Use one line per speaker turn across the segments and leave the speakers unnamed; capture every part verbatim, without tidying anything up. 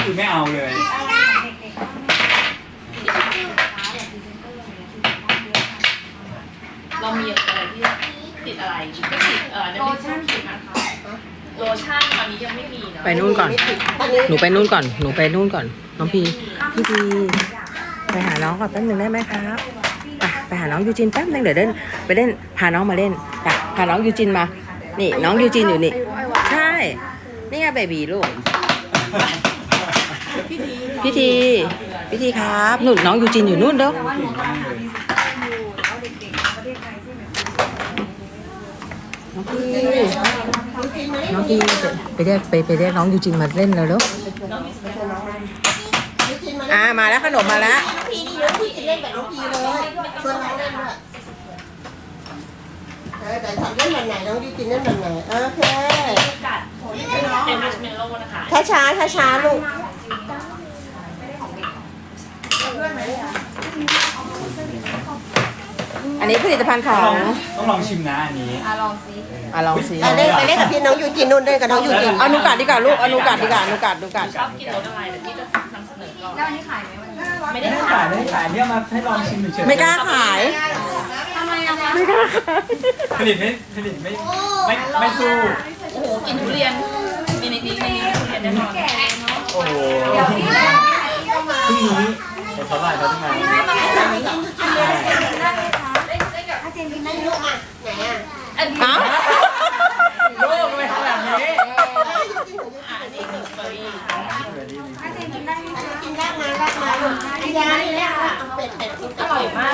คือไม่เอาเลย
เรามีอะไรที่ติดอะไรก็ติดเออโลชั่นติดนะคะโลชั่นตอนนี้ยังไม่มีเนาะ
ไปนู่นก่อนหนูไปนู่นก่อนหนูไปนู่นก่อนน้องพีพี่พีไปหาน้องก่อนแป๊บนึงได้ไหมครับไปไปหาน้องยูจินแป๊บนึงเดี๋ยวเล่นไปเล่นพาน้องมาเล่นไปพาน้องยูจินมานี่น้องยูจินอยู่นี่ใช่นี่ไงเบบีลูกพี่ทีพี่ทีครับนู่นน้องยูจินอยู่นู่นเด้อน้องพี่น้องพี่ไปเรียกไปไปเรียกน้องยูจินมาเล่นแล้วเด้ออ่ามาแล้วขนมมาแล้ว
น้องพีนี่น้องพีจะเล่นแบบน้องพีเลยชวนน้องเล่นด้วยเออแต่ทำเล่นแบบไหนน้องยูจินเล่นแบบไหนโอเค
กัดเป็นมัชเมลโล่นะคะ
ช้าช้าช้าช้าลูก
อันนี้ผลิตภัณฑ์ของ
ต้องลองชิมนะอันนี้
อ่ะลองซิ
อ่ะลองสิ
ไปเล่นไปเล่นกับพี่น้องยูจินนู่นเล่นกับน้องยูจิน
เอานูกัดดีกว่าลูกเอานูกัดดีกว่านูกัดนูกัด
ชอบกินรสอะไรเดี๋ยวพี่จะนำเสนอก่อนแล้วอันนี้ขายไหมวันนี้ไม่
ไม่
ได้
ได้
ขา
ขาย ยไม่ได้ขายเนี่ยมาให้ลองชิมเฉยๆ
ไม่กล้าขาย
ทำไมอะคะ
ไม่กล้าขาย
ผลิตไม่ผลิตไม่ไม่ไม่สู้
โอ้โหกินทุเรียนมีในนี้ในนี้ทุเรียนแน่นอน
โอ้โหพรุ่งนี้แต่เขาไล่เขาทำไม
ลูกอ่ะไหนอ่ะ
อันนี้
เอ้า
ลูกทำไมทำแบบนี้
อันนี้คือสตรอเบอรี่
กินได้มาได้มาลูกอันนี้นี่แหละเป็ดเป็ดกิน
อร่อยมาก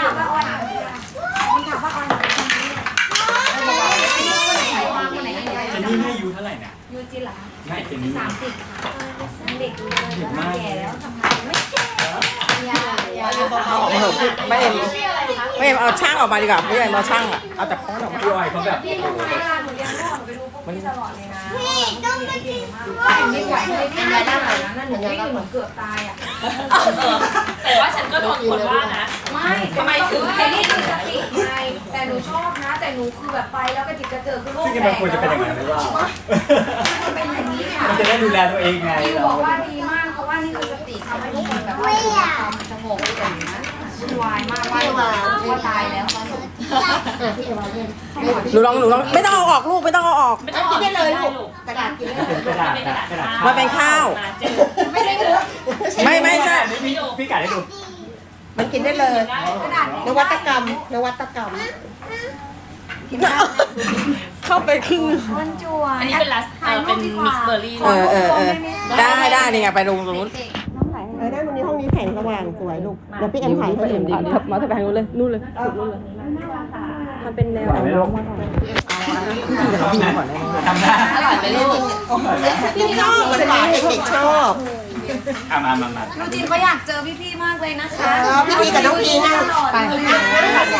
เจนนี่ไม่อายุเท่าไหร่นะ
ยูจินเหรอ
ไม่เจนนี่
สามสิบค่ะยังเด็กอยู่เลย
เด็ก
แล้ว
มาก
แก่แล้วทำงานไม่แก่ยายา
เอาออกมาเถอะไม่เอ็มไม่เอ็มเอาช่างออกมาดีกว่าไม่เอ็มเอาช่างอ่ะเอาแต่ค้อนออกมา
พี่อ้อยเขาแบบ
พี่รู้ไหมเวลาหนูเรียนพ่อหนูไปดูพวกพี่ตลอดเลยนะพี่ต้องมากินไม่ไหวเลยพี่ไม่ได้นะนั่นหนูวิ่งหนูเกือบตายอ่ะ
แต่ว่าฉันก็โดนคนว่านะ
ไม่
ทำไมถึง
ไอ้นี่คือสติไงแต่หนูชอบนะ แต่หนูคือแบบไปแล้วก็จิตกระเจิงคือโรค
ซึ่ง
แต
มัน
ก
ควรจะเป็นอย่างนั้นหรือเปล่า
มันเป็นอย่างนี้ค่ะ
มันจะได้ดูแลตัวเองไง
พี่
เรา
บอกว่าดีมากเพราะว่านี่คือสติทำให้ทุกคนแบบว่าอยู่กับความสงบอย่างนั้นวุ่นวายมากว่าว่าตายแล้วตอนสุด
พี่เอวาเล่น
หนูลองหนูลองไม่ต้องเอาออกลูกไม่ต้องเอาออก
ไม่ต้อง
กินได้เลยลูกกระดาษกินได้เลย
กระดาษอะกระดาษ
มันเป็นข้าว
ไม่ใช่เนื้อ
ไม่ไม่ใช่
พี่พี่กัดให้ดู
มันกินได้เลย
กระดาษ
นวัตกรรมนวัตกรรมกินได้
เข้าไปครึ่ง
มันจั่ว
อันนี้เป็นลัสเออเป็นมิกซ์เบอร์รี่
เออเออเออได้ได้นี่ไงไปลงตรงนู้น
เออได้วันนี้ห้องนี้แสงสว่างสวยลูกเดี๋ยวพี่เอ็มถ่ายให้ดู
มาจะไปทางนู้นเลยนู่นเลยสุดนู่นเลยมันเป็นแนวน้องมาก่อนพี่กับน้องพี่ก่อนได้ไหม
ทำได้
อร่อยไหมลูก
พี่ชอบมันหวานเด็กๆชอบ
อ่ะมามามา
น้องจีนก็อยากเจอพี่ๆมากเลยนะคะ
พี่พีกับน้องพีนั่งไปนั่งนั่งก่อนเนี่ย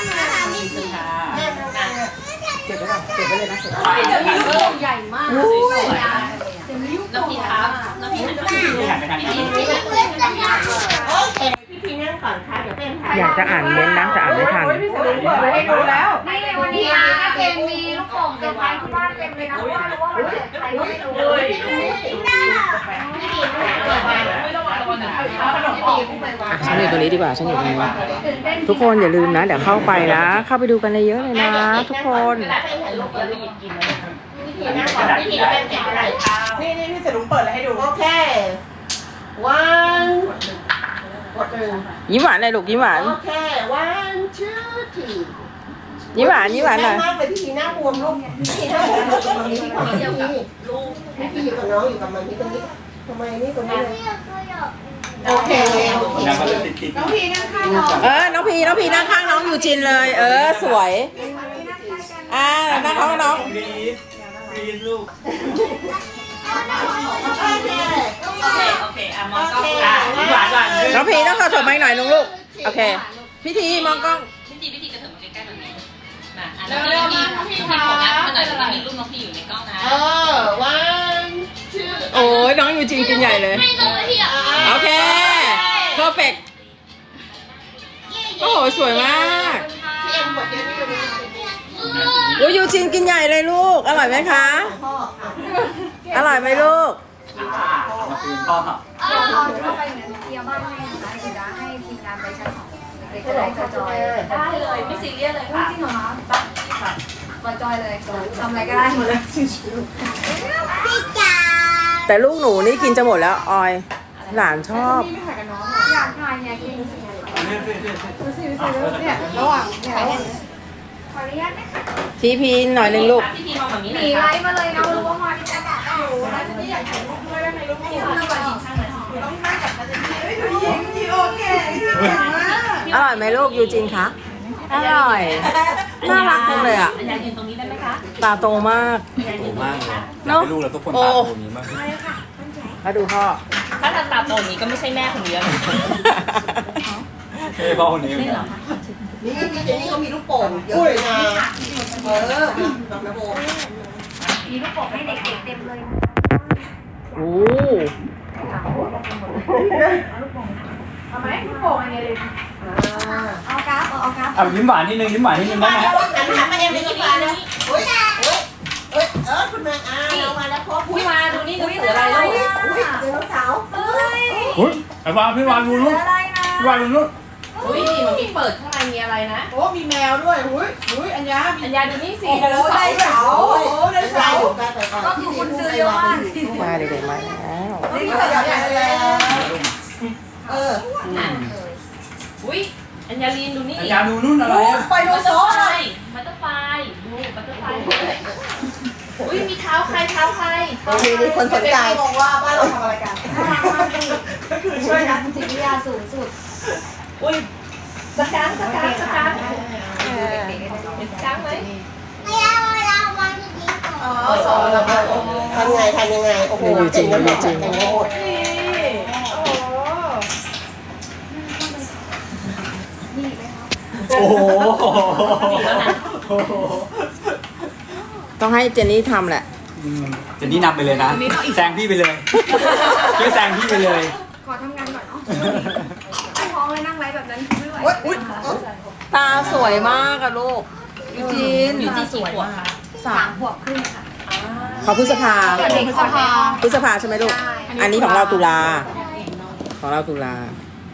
เก็บไว้ก่อนเก็บไว้เลยนะ
เดี๋ยวมีลูกใหญ่มาก
น้ำพริกครับน้ำพริกน้ำพริก
พี่หันไปทางนี้
โอเคพี่พีนั่งก่อนค่ะเดี๋ยวเป็นถ่าย
อยากจะอ่านเม้นต์นะแต่อ่านไม่ทัน
ให้ดูแล้ว
นี่วันนี้นะเจนมีลูกโป่งเซอร์ไพรส์ที่บ้านเต็มเลยนะเพราะว่ารู้ว่าวันนี้ใครก็ไม่รู้เลย
ไม่ระวังระวังหนึ่งขนม
อ่ะฉันอยู่ตรงนี้ดีกว่าฉันอยู่ตรงนี้ทุกคนอย่าลืมนะเดี๋ยวเข้าไปนะ เข้าไปดูกันเยอะเลยนะทุกคน
นั่งก่อนพี่พีเป็นแกะอะไรนี่นี่พี่เสรุงเปิดแล้วให้ดูโอเค one กดหนึ่ง
ยิ้มหวานเลยลูกยิ้มหวาน
โอเค one two three
ยิ้มหวานยิ้มหวานหน่อย
มากเลยพี่พีหน้าบวมลูกพี่พีหน้าบวมลูกตรงนี้พี่พีพี่พีพี่พีอยู่กับน้องอยู่กับมันนี่ตรงนี้ทำไมนี่ตรงนี้เลยโอเคโอเค
แล้วก็จะติดติดน้องพี่
เออน้องพีน้องพีนั่งข้างน้องยูจินเลย เออสวยอ่านั่งข้างน้อง
รีสรีสลูก
โอเค
โอเคโอเคอ่ะมองกล้อง
อ่ะหวานหวาน
น้องพีต้องเข้าถอยไม้หน่อยลุงลูกโอเคพิธีมองกล้อง
พิธีพิธีกระเถิบมาใกล้ๆแบบนี้มาอ่ะน้องพี่น้องพี่น้องพี่โฟกัสมาหน่อยแล้วมีรูปน้องพี่อยู่ในกล้องนะ
เออ one two
โอ้ยน้องยูจินกินใหญ่เลยโอเค perfect โอ้โหสวยมาก
พี่เอ็มกดเยอะที่สุด
โอ้ยยูจินกินใหญ่เลยลูกอร่อยไหมคะ
พ่อ
อร่อยไหมลูก
อ่าเอามาคืนพ่อ
เดี๋ยวตอนเข้าไปเนี่ยเคลียร์บ้านให้นะคะเดี๋ยวจะให้ทีมงานไปชั้นสองเด็กๆจะได้จอย
ได้เลยไม่ซีเรียสเลย
จริ
ค่ะ
งเหรอคะ
บ้านค่ะ
มาจอยเลยทำอะไรก็ได้หมดเลย
แต่ลูกหนูนี่กินจะหมดแล้วออย หลานชอบ
อยากทานเนี่ยกิน
เนี่ย
ระหว่างเนี่ยขออนุญาตนะคะ
ทีพีหน่อยหนึงลูก
พี่ทีมองแบบนี้
ห
เล
นี
ย
ไล
ค่ะ
ฟ์มาเลยนะรู้ว่ามาที่จะแบบโอ้โหไลฟ์จะไม่อยากถ่ายรูปด้วยได้ไหมลูก
พี่ทีมองแบบนี้ข้างไหน
ต้องนั่งกับอาจารย์ที่โอเค
อร่อยไหมลูกยูจินคะ อร่อย น่ารักจังเลยอ่ะ
อันยายืนตรงนี้ได้ไหมคะ
ตาโตมาก
อันยายื
โต
นตรง
มาก
นี้
เลย
ค่ะ
อยากให้ลูกเราทุกคนตาโตอย่างนี้มาก
แล้วดูพ่อ
ถ้าทำตามตรงนี้ก็ไม่ใช่แม่คนเดียวนะ
เฮ้ยพ่อคนนี้
ไม่เหรอคะ
นี่พี่เจนนี่เขามีลูกโป่งเยอะเลยนะเออแบบนะโบ
มีลูกโป่งให้เด็กๆเต็มเลย
โอ้
เอาไหมลูกโป่งอันนี้เลย
อ่า
เอากราฟเอากราฟ
เอายิ้มหวานนิดนึงยิ้มหวานนิดนึงได้ไหม
หันหันมาเองเลยยิ้มมาเลยเฮ้ยเฮ้ยเฮ้ยเออคุณแม่อ่าเรามาแล้วพบ
พี่มาดูนี่หนังสืออะไรลูก
อุ้ยเดี๋ยวสาว
เฮ้ย
อุ้ยไอ้วานพี่วานดูนู้น
อะไรนะ
พี่วานดูนู้น
อุ้ยมันมีเปิดข้างในมีอะไรนะ
โอ้มีแมวด้วยหุ้ยหุ้ยอัญญา
อันยาดูนี่สิ
โอ้โหได้เสาโอ้โหได้เสา
ก็คือคุณซื้อเยอะมาก
มาเด็กๆมาแล้ว
นี่ก็ใหญ่แล้ว
เออ
อุ้ยอัญญาลีนดูนี่
ไอ้ยาดูนู้นอะไรอะ
ไปโด
บั
น
ตเตอ
โซ่
ร์ไฟ
เลย
บัตเตอร์ไฟดูบัตเตอร์ไฟเลยอุ้ยมีเท้าใครเท้าใคร
โอเคนี่คนสนใจ
มองว่าบ้านเราทำอะไรกัน
น่ารักมากเลย
คือช่วยกัน
จิตวิทยาสูงสุด
อุ้ยสกังสกังสกัง
เด็กๆ
เห็นสกังไหม
อ๋อสอนเราโอ้
ทำไงทำยังไงโอ้โหเจ๋งกันหมดเจ๋งกันหมด
นี่โอ้โห
นี่ไหมคะ
โอ้โห
โอ้โห
ต้องให้เจนนี่ทำแหละ
อืมเจนนี่นำไปเลยนะแซงพี่ไปเลยช่วยแซงพี่ไปเลย
ขอทำงานก่อนเนาะไอ้ท้องเลยนั่งไลฟ์แบบนั้นไม่ไหว
โอ้ยอุ้ย
ตาสวยมากอะลูกยูจิน
อยู่ที่สวยมาก
สามขวบครึ่งค่ะ
เขาพฤษภา
เด็กพฤษภา
พฤษภาใช่ไหมลูก อันนี้ของเราตุลา ของเราตุลา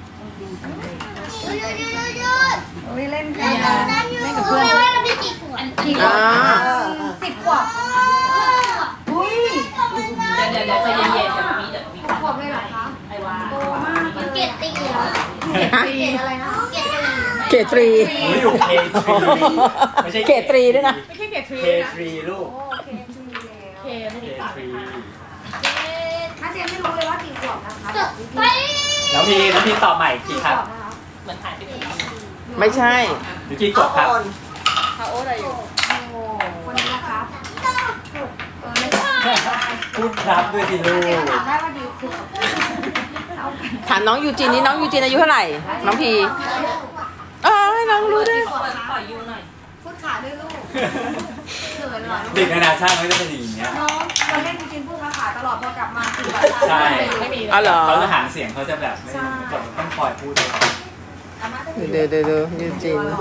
โอ้ยเล่นกันเล่นกับเพื่อน
อ่า
สิบขวบอุ้ย
เดี๋ยวเดี๋ยวใจเย็นๆเดี๋ยวมีเดี๋ยวมี
ขวบเลยเหรอคะ
ไอ้ว่า
โตมากเลยเกตตีเหรอเกตอะไรนะเกตตี
เกตรี
โอ้ยอยู่เคทรีไม่ใช่
เกตรีด้วยนะ
ไม่ใช่เกตทรี
เค
นะ
ทรีลูก
โอ้เคทีแล้ว
เคไม่
เค
ได้ฝาก
ทรี
ถ้าเจนไม่รู้เลยว่ากี่ขวบนะคะ
น้องพีน้องพีตอบใหม่กี่ครับ
เหมือนถ่ายไปเป็น
ไม่ใช่
หรือกี่กดครับ
เขาโอ้อะไรอยู่
โอ้คนนี้นะครับเออไม่
พูดครับด้วยสิลูก
ถามได้ว่าดิวคือ
ถามน้องยูจินนี่น้องยูจินอายุเท่าไหร่ น้องพีเอ้ยน้องรู้ด้วย
เปิดปล่อยยูหน่อย
พูดขาด้วยลูกเขินเหรอ
เด็กนานาชาติมันก็จะเป็นอย่างเงี้ย
น้องเราเล่นจริงๆพูดภาษาตลอดพอกลับมาคือแบบ
ใช่
ไม่มี
อ๋อเหรอ
เขาจะหางเสียงเขาจะแบบไม่ต้องคอยพูดเลย
เดี๋ยวเดี๋ยวเดี๋ยวยูจิน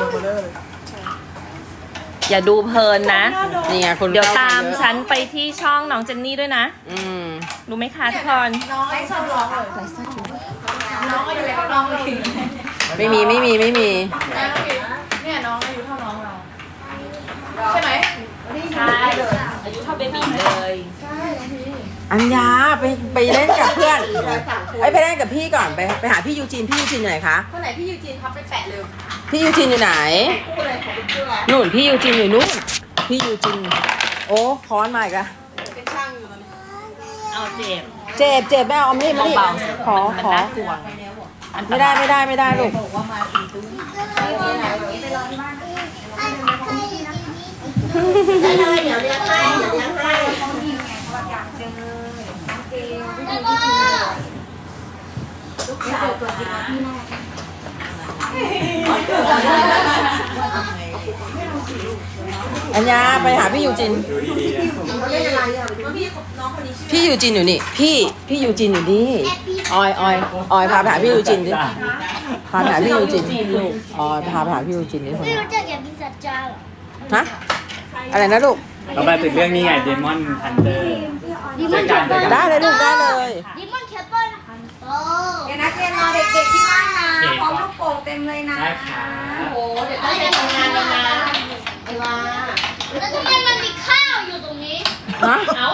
อย่าดูเพลินนะ
นี่ไงคน
เดี๋ยว
ข้
ตาม
เยอะ
ฉันไปที่ช่องน้องเจนนี่ด้วยนะ
อืม
รู้ไหมคะทุกคน
น้องไอ้ชอบร้องเลยน้องอายุเท่าน้องเลย
ไม่มีไม่มีไม่มี
เนี่ยน้องอายุเท่าน้องเราใช่ไหม
ใช่ อายุเท่าเบบีเลย
อัญญาไปไปเล่นกับเพื่อนไอ้ยไปเล่นกับพี่ก่อนไปไปหาพี่ยูจินพี่ยูจินอยู่ไหนคะ
คนไหนพี่ยูจีนครับไปแปะเลย
พี่ยูจินอยู่ไหน
คู่เลยของเป็นชื่ออะไร
นู่นพี่ยูจินอยู่นู่นพี่ยูจิน โอ้ค้อนมาอีกแล้ว
เป็นช่างอยู่ตอนนี้
เอาเจ็บ
เจ็บเจ็บแม่เอามีดมาดิ
เบา
ขอ
มัน
ขอ
น่ากลัว
ไม่ได้ไม่ได้ไม่ได้ลูก
ไปรอที่บ้านนะ
ได้เลยเดี๋ยวเลี้ยงให้เดี๋ยวเลี้ยงให้
เขาดีไงเขาแบบอยากเจอน้องเกลพี่ดีพี่ดีลูกสาวตัวจริงพี่แม่
อัญญาไปหาพี่ยูจิน
ดูดีๆนะ
เขาเล่นอะไรอ่ะ
พี่ยูจินอยู่นี่ พี่พี่ยูจินอยู่นี่ออยออยออยพาไปหาพี่ยูจินดิพาไปหาพี่ยูจินออยพาไปหาพี่ยูจินดิคน
ไม่
นี้
รู้จักอย่างพิซซ่าจ้าเหรอ
ฮะอะไรนะลูก
พ
เรามาถึงเรื่องนี้ไงเดมอนฮันเตอร์ช่วยกันช่วยกัน
ได้เลยลูกได้เลย
ดิมอนแคปเปิลฮันโต
เดี๋ยวนักเรียนรอเด็กๆที่บ้านนะพร้อมลูกโป่งเต็มเลยนะ
ได้ค่ะ
โอ้เดี๋ยวต้องไปทำงานแล้วนะไอ้วา
แล้วทำไมมันมีข้าวอยู่ตรงนี้
ฮะ
เอ้า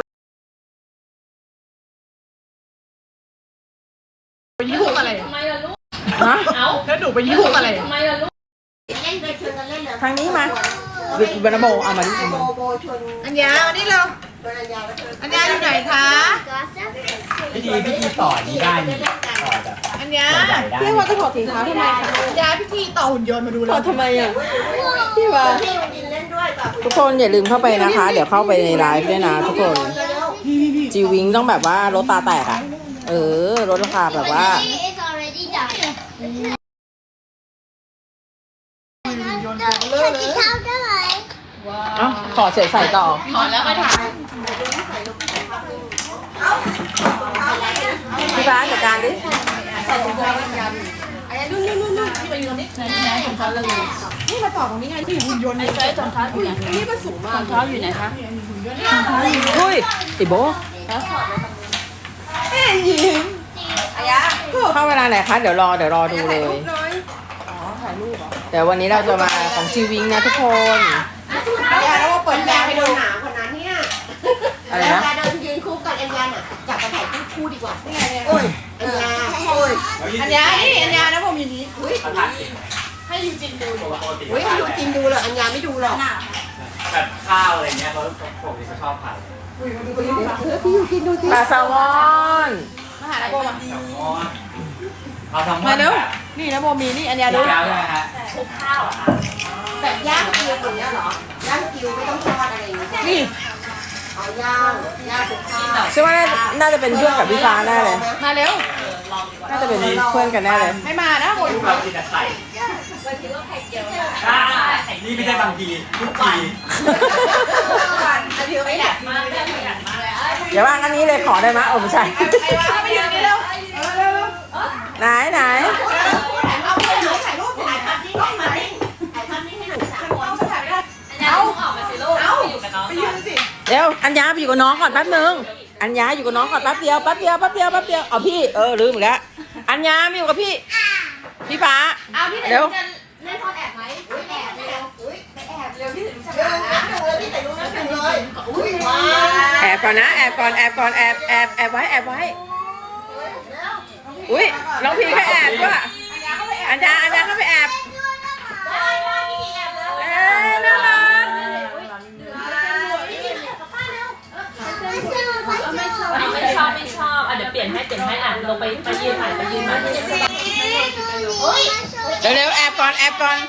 ยุ่งอะไร
ทำไมล่ะลูก
ฮะ
เอ้า
แล้วหนูไปยุ่งอะไร
ทำไมล่ะลูก
เล่นไปชวนกันเล่นเลย
ทางนี้มาบรรโบเอามาดิเอา
โบ
มา
โบชวน
อัญญาเอานี่เร็ว
ชวนอัญญาแล้วเธอ
อัญญาอยู่ไหนคะ
พิธีพิธีต่อนี้ได้นี่ต่อแบบ
อัญญา
ใหญ่ๆได้
พี่ว่าจะถอดถุงเท้าทำไมคะ
อัญญาพี่ทีต่อหุ่นยนต์มาดู
ถ
เล
อด
ย
ทำไมอ่ะพี่ว่า
พี่ลงดินเล่นด้วยกับ
ทุกคนอย่าลืมเข้าไปนะคะ เดี๋ยวเข้าไปในไลฟ์ด้วยนะทุกคนจีวิงต้องแบบว่าลดตาแตกอ่ะ เออลดราคาแบบว่า
It's already done
เลอะเลย
ข้าวได้ไหม
เอ้าถอดเสร็จใส่ต่อ
ถอนแล้วไปถาม
พี่ฟ้าจัดการดิ
นี่มาต่อตรงนี้ไงที่หุ่นยนต์นี่รองเท้าอยู่ไหนนี่มันสูงมากรองเท้าอยู่ไหนคะ
อุ้ยติโบ
เอ้ยยิ้มอัญญา
เข้าเวลาไหนคะ เดี๋ยวรอเดี๋ยวรอดูเลย
น้อยอ๋อถ่ายรูปเหรอ
เดี๋ยววันนี้เราจะมาของจีวิงนะทุกคน
อัญญาแล้วว่าเปิดแบ
แม่
ง
ไป
ให้
โด
ดู
นหนามคนนั้นเนี่ย
อะไร
แล้ว
นะ
การเดินยืนคู่กับอัญญาน่ะจับกระถ่ายคู่คู่ดีกว่า
นี่ไงเนี่ย
โอ้ยอัญญาโอ้ย
อัญญานี่อัญญานะผมอยู่นี้
อุ้ย
ประทัดสิ
ให้ยูจินดูอยู่อะ
อุ้ยดูจริงดูเลยอัญญาไม่ดูหรอก
แบบข้าวอะไรเงี้ยเขาปกติเขาชอบผัด
พี่อยู่กินดูสิ
ปลาแซลมอน
มาหานะโบมา
แซลมอนเอาแซลมอน
มาเร็ว
แบบ
นี่นะโบมีนี่อัญญา
ดู
ดู
แล้วใช่ไหมฮะ
คลุกข้าวอะค่ะ
แบบย่างกิวอย่างเงี้ยเหรอย่างกิวไม่ต้องทอดอะไรอย่างเงี้ย
นี่
เอาย่างย่างกับข้าว
ใช่ว่าน่าจะเป็นเพื่อนกับพี่ฟ้าแน่เลย
มาเร็ว
น่าจะเป็นเพื่อนกันแน่เลย
ไม่มานะโบ
ลูกเรากินแต่ไข่อ่านี่ไม่ใช่บางทีทุกที
ประหยัดมากเลยประหยัดมากเลย
อย่าว่างอันนี้เลยขอได้ไหมโอ้ไม่ใช่
ไอ้วาไปยืนนี่เร็วเร็ว
ไหนไหน
เอาไปถ่ายถ่ายรูปถ่าย
ถ่ายภาพนี้ให้หน่อยถ่ายภาพนี้ให้หน่อยสามคน
เอาถ่ายไม่ได้
อัญญาต้องออกมาสิลูกไปอยู่กับน้อง
ไป
ก่
ยื
อน
นสิ
เดี๋ยวอัญญาไปอยู่กับน้องก่อนแป๊บนึงอัญญาอยู่กับน้องก่อนแป๊บเดียวแป๊บเดียวแป๊บเดียวแป๊บเดียวเอาพี่เออลืมอีกแล้วอัญญามาอยู่กับพี่พี่ฟ้า
เอาพี่
เดี๋ยว
จะเล่นซ่อนแอบไหมไม่แอบเร็วไปแอบเร็วพี่ถึงจะ
เดินนับหนึ่งเลยพี่แต่รู้นับหนึ่งเลยอุ้ยว้า
แอบก่อนนะแอบก่อนแอบก่อนแอบแอบแอบไว้แอบไว้อุ้ยน้องพี่ก็แอบด้วยอัญญาอัญญาเข้าไปแอบเอ๊ะน่ารัก
ไม่ชอบไม่ชอบอ่ะเดี๋ยวเปลี่ยนให้เปลี่ยนให้อ่ะลงไปไปยืนใหม่ไปยืนใหม่
เร็วเร็วแอบก่อนแอบก่อน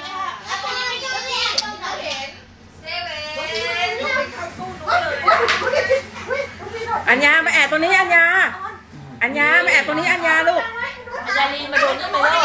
อัญญามาแอบตรงนี้อัญญาอัญญามาแอบตรงนี้อัญญาลูก
อัญญาลีมาดูนี่ไหมลูก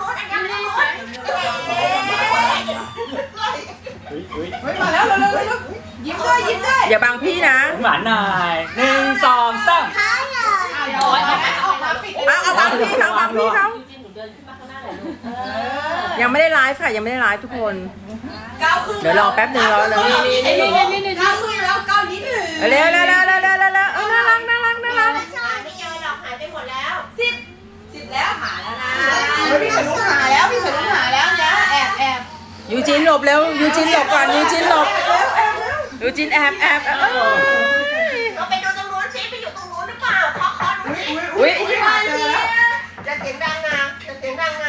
อุ้ยอุ้ย
เฮ้ยมาแล้วเร็วเร็วเร็วยิ้มด้วยยิ้มด้วย
อย่าบังพี่นะ
หวานหน่อยหนึ่งสองสาม
โอ้ยเอาไป
ออกมาปิด
เอาเอาบังพี่เขาบังพี่เขา
ยูจินหนูเดินขึ้นมาข้างหน้าหน่อยลูกเออ
ยังไม่ได้ไลฟ์ค่ะยังไม่ได้ไลฟ์ทุกคน
ก้าวขึ้น
เดี๋ยวรอแป๊บหนึ่งรอเลย
นี่นี่นี่นี่นี่ก้าวขึ้นแล้วก้าวนิดหนึ่ง
เร็วเร็วเร็วเร็วเร็วเร็วเร็วเออน่ารักน่ารักน่ารัก
หาไม่เจอหรอกหายไปหมดแล้ว
สิบแล้วหาแล้วนะพี่สนุกหาแล้วพี่สนุกหาแล้วนะแอบแอบ
ยูจินหลบเร็วยูจินหลบก่อนยูจินหลบ
เร็วแอบเร็ว
ยูจินแอบแอบเออ
เราไปดูตรงนู้นสิไปอยู่ตรงนู้นหรือเปล่าเคาะเคาะดูสิ
อุ้ย
หาเจอแล้ว
จะเสียงดังนะจะเสียงดังนะ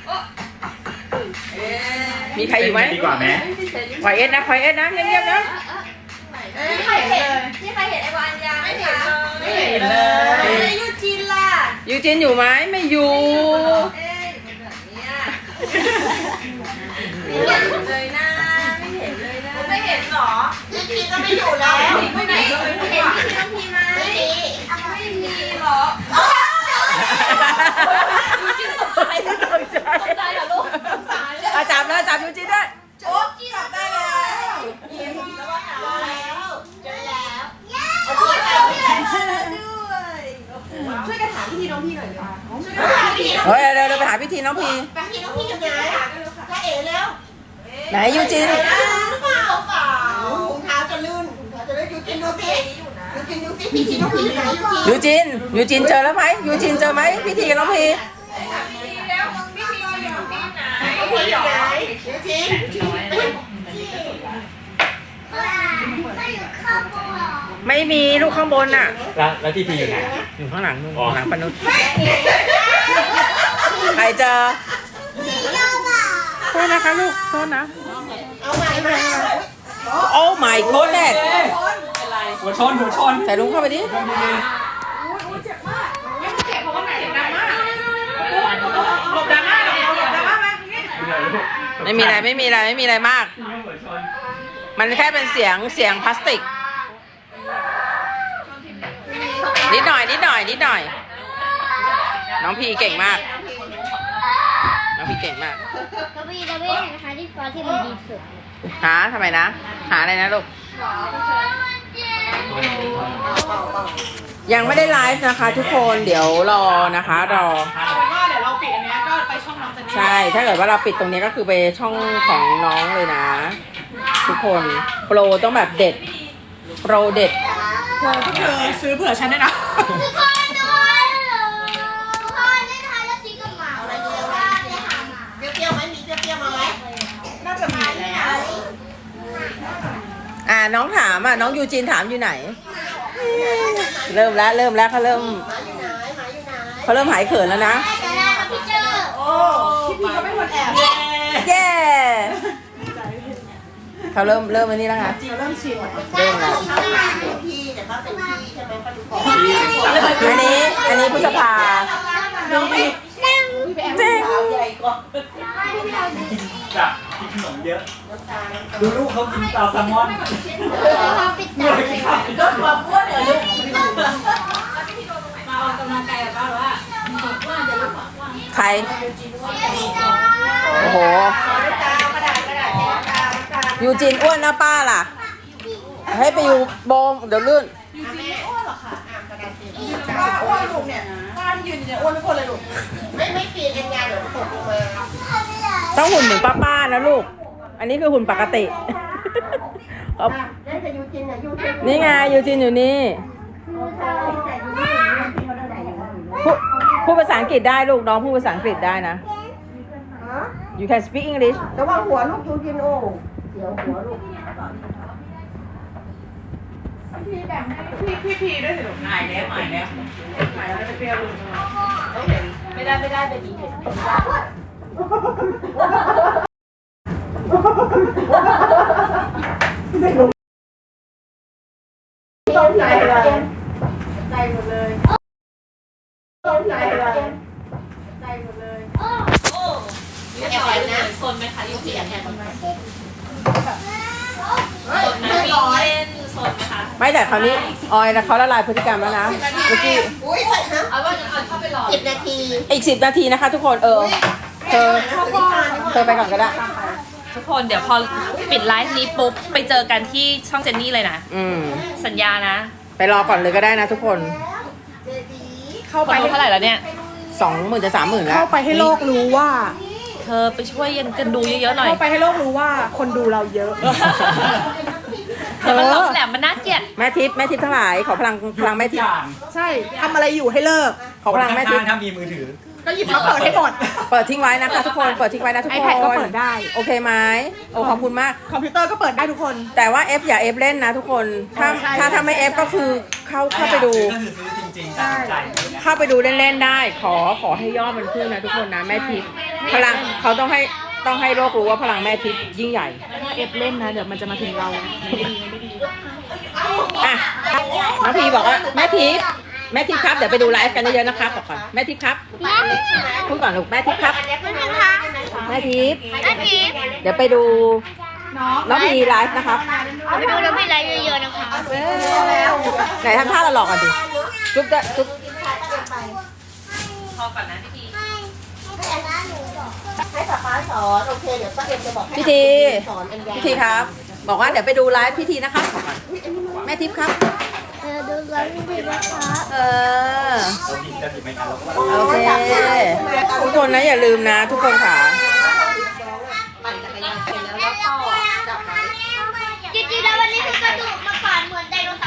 มีใครอยู่ไหม
ดีกว่าไหม
คอยเอ็ดนะคอยเอ็ดนะเงียบๆนะ
ไม่ใครเห็นเลย
ที่ใครเห็นไอ้วานยาไหมคะ
ไม่เห็นเลย
แล้วยูจินล่ะ
ยูจินอยู่ไหมไม่อยู่
เอ๊ะเป็นแบบเนี้ยไม่เห็นเลยนะไม่เห็นเลยนะไม่เห็นหรอ
พี่พีก็ไม่อยู่แล้ว
ไม่ไหนเห็นพี่น้องพีไหม
ไม่มี
ไม่มีหรอ
ยูจินตกใจตกใจเหรอลูก
อาจับเลยจับยูจินได้
โอ๊บจับได้แล้ว
ยิ้มแล้วว่าหาแล้วเจอแล้ว
ช่วยกันด้วย
ช่วยกันถามพี่ทีน้องพี่หน่อยเลย
พี่
เฮ้ยเร็วเร็วไปหาพิธีน้องพี
ไปพี่น้องพี่อยู่ไหนจ้าเอ๋แล้ว
ไหนยูจิน
ลื่นหรือเปล่าเปล่ารองเท้าจะลื่นกินดูสิยูกินดูสิพี่ทีน้องพีอยู่ไหนยูกิน
ยูจินยูจินเจอแล้วไหมยูจินเจอไหมพี่ทีกับน้องพี
พี่อยู่ไหนยูกิน
ไม่อยู่ข้างบนเหรอ
ไม่มีลูกข้างบนน่ะ
แล้วแล้วพี่พีอยู่ไหน
อยู่ข้างหลังนู่น
อ๋อ
หลังปนุษใครเจอโทษนะคะลูกโทษนะ
เอาใหม่มา
โอ้ my goodness
หัวชนหัวชน
ใส่ลุงเข้าไปดิ
หลบดราม่าหลบหลบดราม่ามา
ไม่มีอะไรไม่มีอะไรไม่มีอะไรมาก
หัวชน
มันแค่เป็นเสียงเสียงพลาสติก นิดหน่อยนิดหน่อยนิดหน่อย น้องพีเก่งมาก น้องพีเก่งมาก
ก็พี่จะไม่เห็นนะคะที่ฟ้าที่มันดีสุด
หาทำไมนะ หาอะไรนะลูก ยังไม่ได้ไลฟ์นะคะ ทุกคนเดี๋ยวรอนะคะรอ
เอาเป็นว่าเดี๋ยวเราปิดอันเนี้ยก็ไปช่องน้องเจนนี่
ใช่ ถ้าเกิดว่าเราปิดตรงนี้ก็คือไปช่องของน้องเลยนะ ทุกคนโปรต้องแบบเด็ด โปรเด็ด
เธอซื้อเผื่อฉันด้วยนะ
ทุกคนด้วยทุกคนได้ทานแล้วซีกับหมาอะไรเดียวว่าได้หาหมา
เปรี้ยวไหมมีเปรี้ยวมาไหม
น่าจะมีแล้ว
อ่าน้องถามอ่ะน้องยูจินถามอยู่ไหน เริ่มแล้วเริ่มแล้วเขาเริ่ม
หมาอยู่ไหนหมาอยู่ไหน
เขาเริ่มหายเขินแล้วนะ
ได้ได้ครับพี่เจอ
โอ้พี่พีก็ไม่ควรแอบ
เย้เขาเริ่มเริ่มอันนี้แล้วค่ะ
จริงเริ่มชิน
เริ่มแล้ว
เขาเป็นพี่แต่เขาเป็นพี่ใช่ไหมปลาดุกบอก
อันนี้อันนี้พฤษภา
น้องพี
จริง
จับกินขนมเยอะ ดูลูกเขากินปลาแซลมอน
เขาปิดตาเลย
โดนความอ้วนเหรอลูก
ใครโอ้โหยูจินอ้วนนะป้าล่ะ ให้ไปอยู่โบมเดี๋ยวลื่น
ป้าอ้วนลูกเนี่ยป้าที่ยืนอยู่เนี่ยอ้วนทุกคนเลยลูก
ไม่ไม่ปีนเอ็นยาเดี๋ยวตกลงมา
ต้องหุ่นเหมือนป้าๆนะลูก อันนี้คือหุ่นปกติ เอา
ได้แต่ยูจินอ่ะยูจิน
นี่ไงยูจินอยู่นี่พูดพูดภาษาอังกฤษได้ลูกน้องพูดภาษาอังกฤษได้นะ you can speak English
แต่ว่าหัวลูกยูจินโอ้เดี๋ยวหัวลูก
พี่พี่พีด้วยสิลูกหายแล้วหายแล้วหายแล้วจะเปรี้ยวลูกต้องเห็น
ไม่ได้ไม่ได้แบบนี้เห็น
ต้องใจเลยใจหมดเลยต้องใจเลยใจหมดเลย
เรียบร้อยนะโซนไหมคะยูเสียแทนโซนนะมีเล่นโซนนะคะ
ไม่แต่คราวนี้ออยนะเขาละลายพฤติกรรมแล้วนะเมื่อกี้
อุ้ยไปนะ
เอาว่าจะเอาเข้าไปรอ
สิบนาที
อีกสิบนาทีนะคะทุกคนเออเธอเธอไปก่อนก็ได้
ทุกคนเดี๋ยวพอปิดไลฟ์นี้ปุ๊บไปเจอกันที่ช่องเจนนี่เลยนะ
อืม
สัญญานะ
ไปรอก่อนเลยก็ได้นะทุกคน
เข้า
ค
ไป
นดูเท่าไหร่แล้วเนี่ย
สองหมื่นจะสามหมื่นแล้ว
เข้าไปให้โลกรู้ว่า
เธอไปช่วยยันกันดูเยอะๆหน่อย
เข้าไปให้โลกรู้ว่าคนดูเราเยอะ
เดี๋ยวมันหลอกแหลมมันน่าเกลียด
แม่ทิพย์แม่ทิพย์ทั้งหลายขอพลังพลังแม่ทิพย์
อย่าง
ใช่ทำอะไรอยู่ให้เลิก
ขอพลังแม่ทิพย์
ถ้ามีมือถือ
ก็หยิบมาเปิดให้หมด
เปิดทิ้งไว้นะคะทุกคนเปิดทิ้งไว้นะทุกคน
iPad ก็เปิดได้
โอเคไหมโอ้ขอบคุณมาก
คอมพิวเตอร์ก็เปิดได้ทุกคน
แต่ว่า F อย่า F เล่นนะทุกคนถ้า
ใช่
ถ้าถ้าไม่ F ก็คือเข้าเข้าไปดู
ก็คือซื้อจริงๆตัดสินใจอย่างเงี้ย
เข้าไปดูเล่นๆได้ ขอขอให้ยอดมันขึ้นนะทุกคนนะแม่ทิพย์พลังเขาต้องให้ต้องให้โลกรู้ว่าพลังแม่ทิพย์ยิ่งใหญ่
ถ้าเอฟเล่นนะเดี๋ยวมันจะมาถึงเรา
อ่ะน้องพีบอกว่าแม่ทิพย์แม่ทิพย์ครับเดี๋ยวไปดูไลฟ์กันเยอะๆนะครับบอกก่อนแม่ทิพย์ครับพูดก่อนลูกแม่ทิพย์ครับแม่ทิพย์
แม่พีฟ
เดี๋ยวไปดูน้องพีไลฟ์นะครับ
เอาไปดูแล้วพี่ไลฟ์เยอะๆนะคะ
ไหนทำท่าเราหลอกกันดิจุ๊บจะจุ๊บ
พอก่อนนะพี่พี
ให้ป๊าป๊าสอนโอเคเดี๋ยวป้าเอ็มจะบอกให้
พี่ที
สอนอันยา
พี่ทีครับ บอกว่าเดี๋ยวไปดูไลฟ์พี่ทีนะครับบอกก่อนแม่ทิพย์ครับ
เออดูไลฟ์พี่นะคะ
เออ
เราผิดจะผิดไหมครับเราก็ว่า
โอเคทุกคนนะอย่าลืมนะทุกคนค่ะ
ปั่นจักรยานเสร็จแล้วแล้วก็จับไว้
จริงๆแล้ววันนี้คือกระดูกมาก่อนเหมือนไดโนเส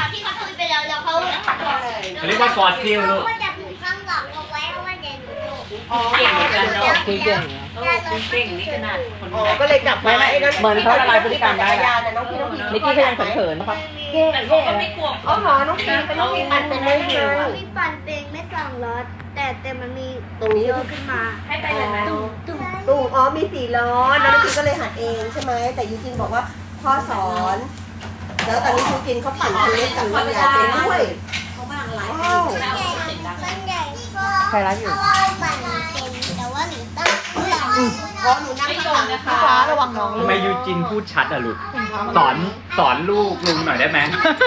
ว่ากอดซิลลูก
ก็จะผูกข้างหลังเอาไว้เพราะว่าเดี๋ยวหนูโดด
อ๋อเก่งเหมือนกันเนาะ
คุยเก่ง
เออคุณเก่งนี่ขนาดคน
อ๋อก็เลยกลับมาไอ้นั่น
เหมือนเขาละลายพฤติกรรมได้
จักรยานน่ะน้องพี่น้องพี่
นิกกี้ก็ยังเขินๆนะคะ
แต่เขาก็ไม่กลัว
อ๋อเหรอน้องพี่เป็นน้องพี่ปั่นเป็นเลยใช่ไหม
มีปั่นเป็นไม่สองล้อแต่แต่มันมี
ตรงนี้
โยขึ้นมา
ให้ไปเลยไหม
ตุ้มตุ้ม
ตุ้งอ๋อมีสี่ล้อแล้วน้องพี่ก็เลยหัดเองใช่ไหมแต่ยูจินบอกว่าพ่อสอน แล้วตอนนี้ยูจินเขาปั่นคันเล็กกับคันใหญ่ไปด้วยว้าว
มันใหญ่มันใหญ่ก็
ใครรักอยู่
เพราะว่าปั่นเป็นแต่ว่าหนูต้องเพื่อน
เพราะหนูนั่งข้างหลังนะคะ
ฟ้าระวังน้อง
ทำไมยูจินพูดชัดอะลูกสอนสอนลูกลุงหน่อยได้ไหม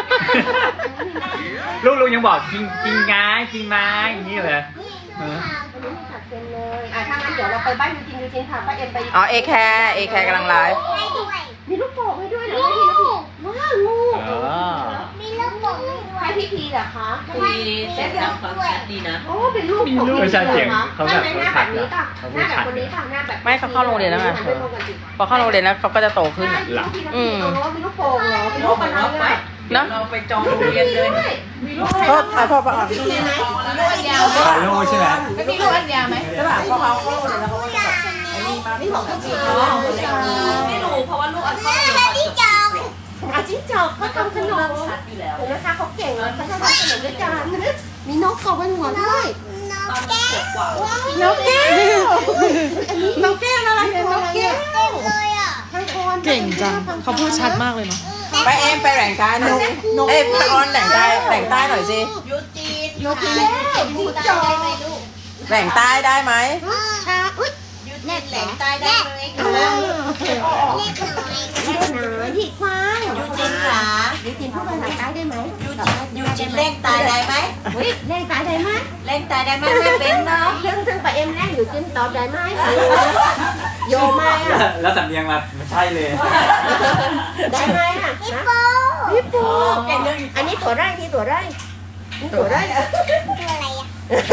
ลูกลุงยังบอกกินกินง่ายกินไม้อย่างนี้เลยเออ
อันนี้หัดเป็นเลยอ่ะถ้างั้นเดี๋ยวเราไปบ้านยูจินยูจินพาป้าเอ็มไป
อ๋อเอแคร์เอแคร์กำลังไลฟ์
ให้ด้วย
มีลูกโป่งให้ด้วยเหรอพี่ลูกว้าวลูก
เออ
มีลูกโป่งให้ด้วย
ให้พี่พีเหรอคะ
ดีเซ็ตแล้วฟังชัดดีนะ
โอ้เป็นลูกของ
ไม่ใช่เสียงเขาแบบ
หน้าแบบนี้ป่ะหน้าแบบคนนี้ป่ะหน้าแบบ
ไม่เขาเข้าโรงเรียนแล้วไง
หันไปมองกันสิ
พอเข้าโรงเรียนแล้วเขาก็จะโตขึ้น
ใช่
อะ
พี่น้องพี่
อืม
อ๋อมีลูกโป่งเหรอเป็นลูกอะไรอ่ะ
เนาะ
เราไปจองโรงเรียนเลย
โทษอ่ะพ่อพ่ออ่ะ
มีไหม
พาลูกใช่ไหม
ไม่มีลูกอันยาไหม
ใช่ป่ะพอเขาเข้าโรงเรียนแล้วเขาก็จะแบบ
นี่ของพี่จีน
ไม่รู้เพราะว่าลูกอันเข้า
แม่ที่จอง
อาจิ้งจอกเขาทำขนม
ชัดอยู่แล้ว
เห็นไหมคะเขาเก่งเลยเขาทำขนมด้วยกันมีนกเกาะบนหัวด้วย
ตอนขวบกว่า
นกแก้วอันนี้นกแก้วอะไรเนี่ยนกแก้ว
เต็มเลยอ่ะ
ทางคอน
เก่งจังเขาพูดชัดมากเลยเนาะ
ไปเอ็มไปแหล่งใต้หน่อยเอ้ยพออนแหล่งใต้แหล่งใต้หน่อยสิ
ยูจีน
นกแก้วจิ้งจอก
แหล่งใต้ได้ไหม
ชาอุ้ย
ยูจีนแหลงใต้ได้ไหม
เล็กน้อยเล็กน้อยที่กว้าง
ยูจีนขา
ยูจินพูดภาษาใต้ได้ไหม
ยูจีนเล่งตายได้ไหม
เฮ้ยเล่นตายได้ไหม
เล่งตายได้ไหมไม่เป็นเนาะ
ซึ่งซึ่งไปเอ็มแน่อยู่จินตอบได้ไหมโยไม่อะ
แล้วสำเนียงมาไม่ใช่เลย
ได้ไหมอะ
ฮิป
นะ
โป
พี่ปูอันนี้ตัวไร่ที่ตัวไร่นี่ตัวไร่
ตัวอะไรอ่ะ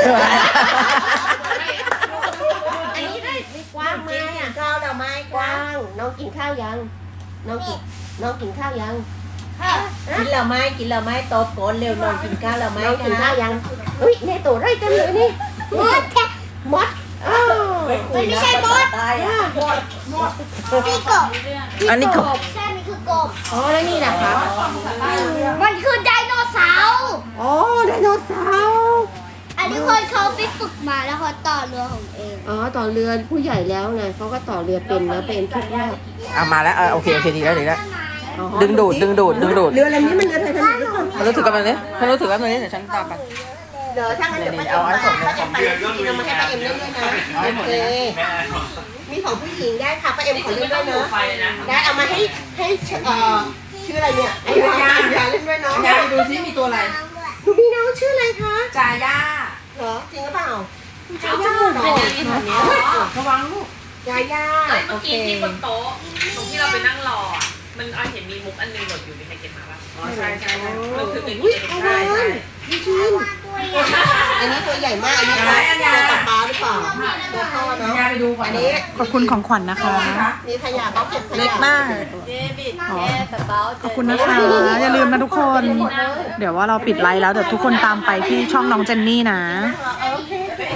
อันนี้ได้กว้างไหมอะข้าวเราไม่กว้าง น้องกินข้าวยัง น้องกินน้องกินข้าวยัง
กินเราไหมกินเราไหมโตโกนเร็วนอนกินข้าวเราไหม
น้องกินข้าวยังอุ้ยในตัวไร่เต็มเลยนี่
มดแค่
มดอ้าว
มันไม่ใช่มด
ตายอ่ะ
นี่กบ
อันนี้กบ
ใช่มันคือกบ
อ๋อแล้วนี่นะคะ
มันคือไดโนเสาร์
อ๋อไดโนเสาร์
อันนี้คนเขาไปฝึกมาแล้วเขาต่อเรือของเอง
อ๋อต่อเรือผู้ใหญ่แล้วไงเขาก็ต่อเรือเป็นแล้วเป็นทุกรอบ
เอามาแล้วเออโอเคโอเคดีแล้วดีแล้วดึงดูดดึงดูดดึงดูด
เรือลำนี้มันอะไรทำไมด้วย
มันรู้ถือกันเลยมันรู้ถือกันเลยเดี๋ยวฉันตามไป
เดี๋ยวถ้างั้นเดี๋ยวป้าเอ็มป้าเอ็มไปกินเอามาให้ป้าเอ็มเล่นด้วยนะโอเคมีของผู้หญิงได้ค่ะป้าเอ็มขอเล่นด้วยนะ
ไฟนะ
ได้เอามาให้ให้เอ่อชื่ออะไรเนี่ยไอ้ยายาเล่นด้วยเนาะ
ยายดูซิมีตัวอะไร
หนูมีน้องชื่ออะไรคะ
จ่าย่า
เหรอจริงหรือเปล่า
เอาจมูกเป็นอย่างนี้แบบนี้
ระวังลูก
ยาย่า
เมื่อกี้ที่บนโต๊ะตรงที่เราไปนั่งรออ่ะมันเอาเห็นมีมุกอันนึงหล่นอยู่มีใครเก็บมาป่ะอ๋อใช่ใช่มันคือเป็น
อุ้ยเอาเลยพี่ชินอันนี้ตัวใหญ่มากอันนี้ตัวปลาปลาหรือเปล่าตัวพ่อเนาะ
ยายไปดูก่อน
อันนี้
ขอบคุณของขวัญนะคะ
มีขยะเขาเก็บขยะ
เล็กมาก
เดวิด
อ๋อขอบคุณนะคะ อย่าลืมนะทุกคน เดี๋ยวว่าเราปิดไลฟ์แล้วเดี๋ยวทุกคนตามไปที่ช่องน้องเจนนี่นะ
โอเค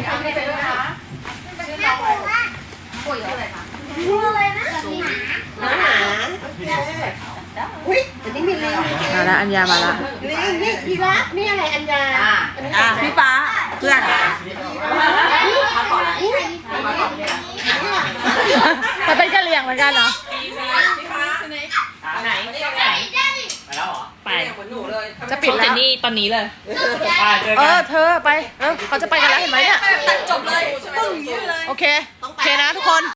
ตัวอะไรนะ
น้องหมาอุ้ยอันนี้มีลิง
มาแล้วอัญญามาแล้ว
ลิงนี่พีระนี่อะไรอัญญา
อ่ะพี่ฟ้าเพื่อนมันเป็นกะเหรี่ยงเหมือนกันเหรอ
ไหน
ไปแล้วเหรอ
ไป
จะปิดแล้ว
เจนนี่ตอนนี้เลย
อ่าเจอ
เอ
กั
อน เธอไป เออเขาจะไปกันแล้วเห็นไหมเนี่ย
จบเลย
โอเค โอเคนะทุกคน